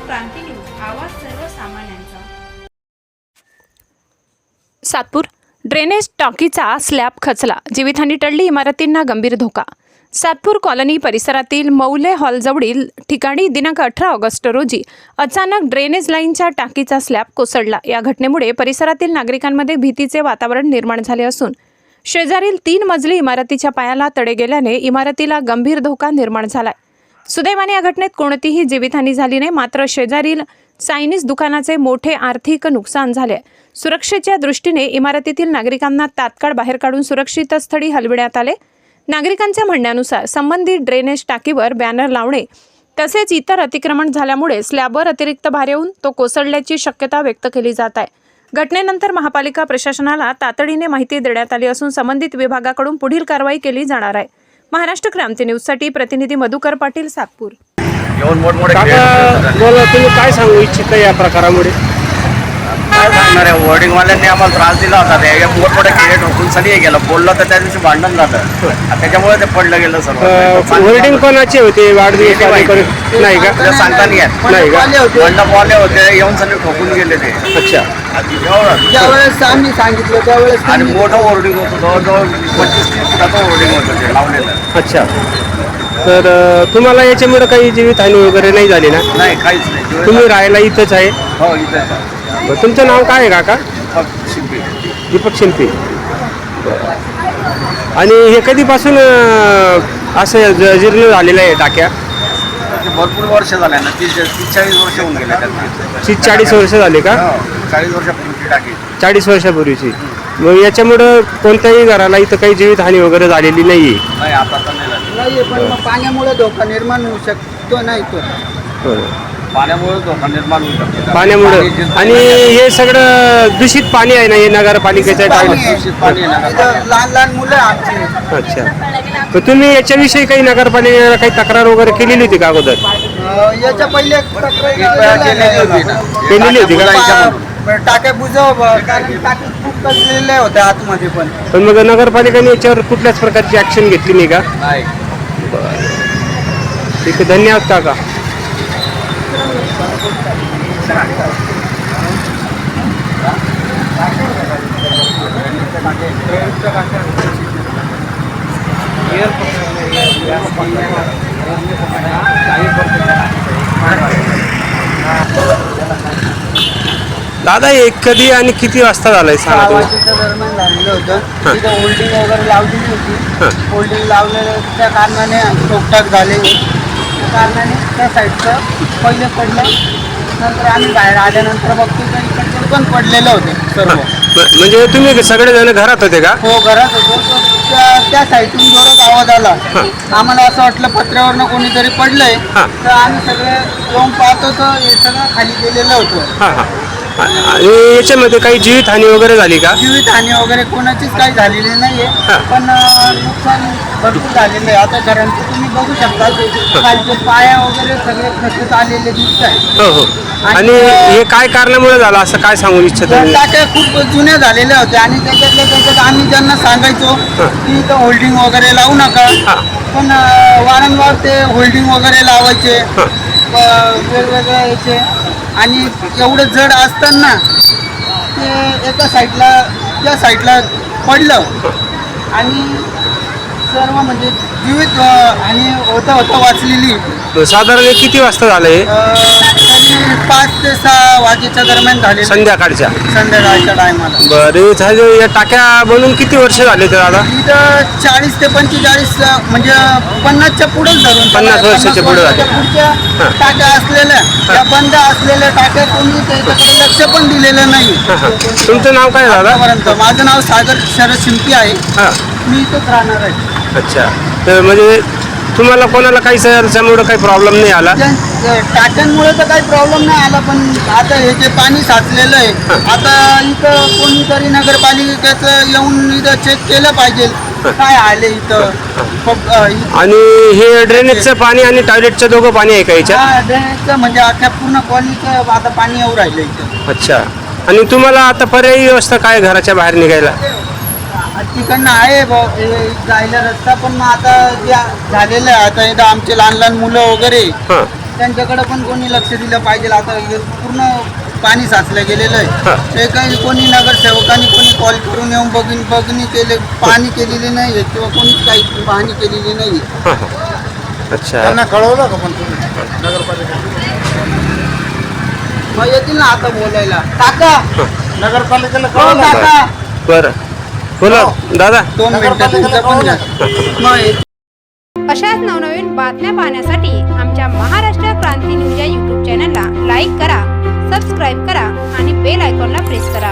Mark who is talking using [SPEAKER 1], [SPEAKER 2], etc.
[SPEAKER 1] क्रांती news, आवाज सर्वसामान्यांचा।
[SPEAKER 2] Satpur drainage टाकीचा स्लॅब खचला, जीवितहानी टळली, इमारतींना गंभीर धोका। सातपूर कॉलनी परिसरातील मौले हॉलजवळील ठिकाणी दिनांक 18 ऑगस्ट रोजी अचानक ड्रेनेज लाईनच्या टाकीचा स्लॅब कोसळला। या घटनेमुळे परिसरातील नागरिकांमध्ये भीतीचे वातावरण निर्माण झाले असून शेजारील 3 मजली इमारतीच्या पायाला तडे गेल्याने इमारतीला गंभीर धोका निर्माण झालाय। सुदैवाने या घटनेत कोणतीही जीवितहानी झाली नाही, मात्र शेजारील चायनीज दुकानाचे मोठे आर्थिक नुकसान झाले। सुरक्षेच्या दृष्टीने इमारतीतील नागरिकांना तात्काळ बाहेर काढून सुरक्षित स्थळी हलविण्यात आले। नागरिकांच्या म्हणण्यानुसार संबंधित ड्रेनेज टाकीवर बॅनर लावणे तसेच इतर अतिक्रमण झाल्यामुळे स्लॅबवर अतिरिक्त भार येऊन तो कोसळल्याची शक्यता व्यक्त केली जात आहे। घटनेनंतर महापालिका प्रशासनाला तातडीने माहिती देण्यात आली असून संबंधित विभागाकडून पुढील कारवाई केली जाणार आहे। महाराष्ट्र क्रांती न्यूजसाठी प्रतिनिधी मधुकर पाटील, सातपूर।
[SPEAKER 3] बोला, तुम्ही काय सांगू इच्छिता या प्रकारामुळे?
[SPEAKER 4] काय सांगणार आहे, होर्डिंगवाल्यांनी आम्हाला त्रास दिला होता। ते मोठमोठे खेळ ठोकून सगळी गेलं, बोललं तर त्या दिवशी भांडण झालं, त्याच्यामुळे ते पडलं गेलं सर्व।
[SPEAKER 3] होर्डिंग कोणाचे होते? वाढदिवस नाही का?
[SPEAKER 4] सांगता नाही येत,
[SPEAKER 3] नाही का?
[SPEAKER 4] मंडपवाले होते, येऊन सगळे ठोकून गेले ते।
[SPEAKER 3] अच्छा,
[SPEAKER 5] ज्यावेळेस आम्ही सांगितलं त्यावेळेस
[SPEAKER 4] आणि मोठं होर्डिंग होतं, जवळजवळ 25-30 फुटाचं होर्डिंग होतं ते लावलेलं।
[SPEAKER 3] अच्छा, तर तुम्हाला याच्यामुळे काही जीवितहानी वगैरे नाही झाली ना?
[SPEAKER 4] नाही, काहीच नाही।
[SPEAKER 3] तुम्ही राहायला इथंच आहे?
[SPEAKER 4] हो, इथं।
[SPEAKER 3] तुमचं नाव काय आहे काका?
[SPEAKER 4] शिंपी,
[SPEAKER 3] दीपक शिंपी। आणि हे कधीपासून असं जीर्ण झालेलं आहे टाक्या?
[SPEAKER 4] भरपूर वर्ष झाले ना, 30-40 वर्ष होऊन गेले त्यांना।
[SPEAKER 3] 40 वर्ष झाले का?
[SPEAKER 4] 40 वर्षापूर्वीची टाकी।
[SPEAKER 3] 40 वर्षापूर्वीची। मग याच्यामुळं कोणत्याही घराला इथं काही जीवितहानी वगैरे झालेली नाही आहे?
[SPEAKER 4] नाही, आता तर नाही झाली।
[SPEAKER 5] नाहीये, पण मग पाण्यामुळे धोका निर्माण होऊ शकतो नाही तो?
[SPEAKER 4] पाण्यामुळे धोका निर्माण होऊ शकतो।
[SPEAKER 3] पाण्यामुळे। आणि हे सगळं दूषित पाणी आहे ना, हे नगरपालिकेच्या
[SPEAKER 4] दूषित पाणी आहे ना।
[SPEAKER 5] इथं लहान लहान मुलं आमची।
[SPEAKER 3] अच्छा, तर तुम्ही याच्याविषयी काही नगरपालिकेला काही तक्रार वगैरे केलेली होती का अगोदर?
[SPEAKER 5] याच्या पहिले
[SPEAKER 3] केलेली होती का?
[SPEAKER 5] टाक्या बुजव, कारण टाक्या खूप कसलेल्या होत्या आतमध्ये पण
[SPEAKER 3] मग नगरपालिकेने याच्यावर कुठल्याच प्रकारची ऍक्शन घेतली नाही का?
[SPEAKER 4] नाही।
[SPEAKER 3] ठीक आहे, धन्यवाद काका। दादा, हे कधी आणि किती वाजता झालंय सांगा तुम्ही?
[SPEAKER 5] 6 वाजेच्या दरम्यान झालेलं होतं। तिथं होल्डिंग वगैरे लावलेली होती। होल्डिंग लावलेलं त्या कारणाने टोकटाक झाले, त्या कारणाने त्या साईडचं पहिले पडलं। नंतर आम्ही बाहेर आल्यानंतर बघतो तर इकडचे पण पडलेलं होते सर्व।
[SPEAKER 3] म्हणजे तुम्ही सगळेजण घरात होते का?
[SPEAKER 5] हो, घरात होतो। त्या साईडून जोरात आवाज आला, आम्हाला असं वाटलं पत्र्यावरनं कोणीतरी पडलंय, तर आम्ही सगळे येऊन पाहतो तर हे सगळं खाली गेलेलं होतं।
[SPEAKER 3] आणि याच्यामध्ये काही जीवितहानी वगैरे झाली का?
[SPEAKER 5] जीवितहानी वगैरे कोणाचीच काही झालेली नाहीये, पण नुकसान भरपूर झालेलं आहे। आता घरांचं तुम्ही बघू शकता, खालचे पाया वगैरे सगळे खचत आलेले दिसत आहे।
[SPEAKER 3] हो हो। आणि हे काय कारणामुळे झालं असं काय सांगू इच्छिता?
[SPEAKER 5] टाक्या खूप जुन्या झालेल्या होत्या आणि त्याच्यात आम्ही ज्यांना सांगायचो की इथं होल्डिंग वगैरे लावू नका, पण वारंवार ते होल्डिंग वगैरे लावायचे वेगवेगळ्या याचे। आणि एवढं जड असताना ते एका साईडला त्या साईडला पडलं आणि सर्व म्हणजे जीवित आणि होता वाचलेली।
[SPEAKER 3] साधारण किती वाजता झालंय?
[SPEAKER 5] तरी 5 ते 6 वाजेच्या दरम्यान झाले, संध्याकाळच्या टायमाला।
[SPEAKER 3] बरं झालं। या टाक्या बनून किती वर्ष झाले तर दादा?
[SPEAKER 5] इथं 40 ते 45 म्हणजे 50च्या पुढेच धरून
[SPEAKER 3] 50 वर्षाच्या पुढे झाले।
[SPEAKER 5] पुढच्या टाक्या असलेल्या, त्या बंद असलेल्या टाक्या कोणी त्याच्याकडे लक्ष पण दिलेलं नाही।
[SPEAKER 3] तुमचं नाव काय दादा?
[SPEAKER 5] माझं नाव सागर शरद शिंपी आहे, मी इथंच राहणार आहे।
[SPEAKER 3] अच्छा, तर म्हणजे तुम्हाला कोणाला काही त्याच्यामुळे काही प्रॉब्लेम नाही आला?
[SPEAKER 5] टाक्यांमुळे तर काही प्रॉब्लेम नाही आला, पण आता हे जे पाणी साचलेलं आहे, आता इथं कोणीतरी नगरपालिकेचं येऊन इथं चेक केलं पाहिजे काय आले इथं।
[SPEAKER 3] आणि हे ड्रेनेजचं पाणी आणि टॉयलेटचं दोघं पाणी आहे का याच्यात?
[SPEAKER 5] ड्रेनेजचं म्हणजे अख्ख्या पूर्ण कॉलनीचं आता पाणी येऊ राहिलं इथं।
[SPEAKER 3] अच्छा, आणि तुम्हाला आता पर्यायी व्यवस्था काय घराच्या बाहेर निघायला?
[SPEAKER 5] तिकडनं आहे जायला रस्ता, पण मग आता जे झालेलं आहे, आता इथं आमचे लहान लहान मुलं वगैरे त्यांच्याकडे पण कोणी लक्ष दिलं पाहिजे. आता हे पूर्ण पाणी साचलं गेलेलं आहे. ते काही कोणी नगरसेवकांनी कोणी कॉल करून येऊन बघणी केले पाहणी केलेली नाही आहे किंवा कोणीच काही पाहणी केलेली नाही आहे.
[SPEAKER 3] अच्छा.
[SPEAKER 5] त्यांना कळवलं का पण तुम्ही नगरपालिका? मग येतील ना आता बोलायला. काका नगरपालिकेला कळवलं काका.
[SPEAKER 3] बरं बोला दादा.
[SPEAKER 5] 2 मिनिटं तुमचं पण घ्या. मग
[SPEAKER 1] अशाच नवनवीन बातम्या पाहण्यासाठी आमच्या महाराष्ट्र क्रांती न्यूज या यूट्यूब चॅनलला लाईक करा, सबस्क्राईब करा आणि बेल आयकॉनला प्रेस करा.